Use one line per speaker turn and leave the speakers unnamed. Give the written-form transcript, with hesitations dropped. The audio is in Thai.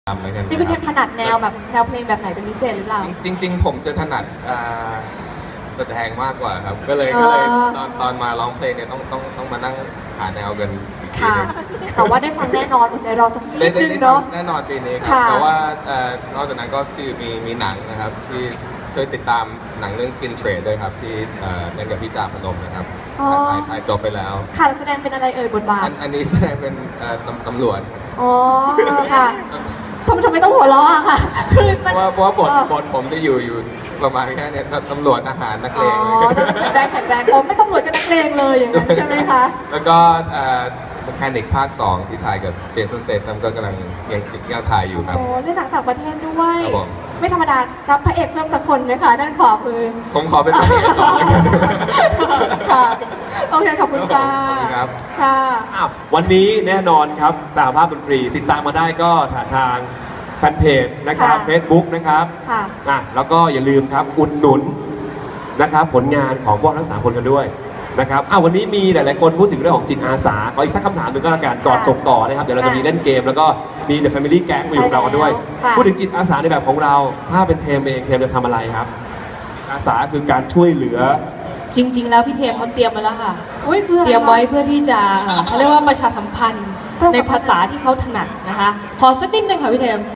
ทำเหมือนกัน
นี่คุณถนัดแนวแบบแนวเพลงแบบไหนเป็นพิเศษหรือเปล่า
จริงๆผมจะถนัดแสดงมากกว่าครับก็เลยตอนมาร้องเพลงเนี่ยต้องมานั่งหาแนวกันอีกที
ค่ะ
นึง
แต่ว่าได้ฟังแน่นอนอดใจรอสักนิดนึงเนาะ
แน่นอนปีนี้ครับ
ค่ะ
แต่ว่านอกจากนั้นก็คือมีหนังนะครับที่ช่วยติดตามหนังเรื่อง Skin Trade ด้วยครับที่เล่นกับพี่จ่าพนมนะครับถ่ายจบไปแล้ว
ค่ะแสดงเป็นอะไรเอ่ยบทบาท
อันนี้แสดงเป็นตำรวจ
อ๋อค่ะทำไมต้องหัวเราะอะค่ะคือมัน
เพราะว่าบทผมจะอยู่ประมาณแค่เนี้ยตำรวจทหารนักเลง
แข็งแรงผมไม่ต้องรวจกับนักเลงเลยอย่างนั้นใช่ไหมคะ
แล้วก็แมคานิกภาค 2 ที่ถ่ายกับเจสันสเตทัมก็กำลังยังถ่ายอยู่ครับ
โอ้เล่นหนังต่างประเทศด้วย
ครับผม
ไม่ธรรมดารับพระเอกเพิ่มสักคนไหมคะด้านขวามือ
ผมขอเป็นพระเอกก่อนแล้วกัน
ค่ะโอเคขอบคุณค่ะ
ขอบคุณครับ
ค่ะ
อ้าววันนี้แน่นอนครับสหภาพดนตรีติดตามมาได้ก็ทางแฟนเพจนะครับ
ค่ะ
Facebook นะครับ
ค่ะ
แล้วก็อย่าลืมครับอุดหนุนนะครับผลงานของพวกทั้ง3คนกันด้วยนะครับวันนี้มีหลายๆคนพูดถึงเรื่องของจิตอาสาขออีกสักคำถามหนึ่งก็แล้วกันก่อนส่งต่อนะครับเดี๋ยวเราจะมีเล่นเกมแล้วก็มี The Family Gang มาอยู่กับเรากันด้วย
ค่ะ
พูดถึงจิตอาสาในแบบของเราถ้าเป็นเทมเองเทมจะทำอะไรครับจิตอาสาคือการช่วยเหลือ
จริง ๆ แล้วพี่เทมเขาเตรียมมาแล้วค่ะ
อุ้ยคืออะไร
เตรียมไว้เพื่อที่จะเขาเรียกว่าประชาสัมพันธ์ในภาษาที่เขาถนัดนะคะ ขอสักนิดนึงค่ะพี่เทม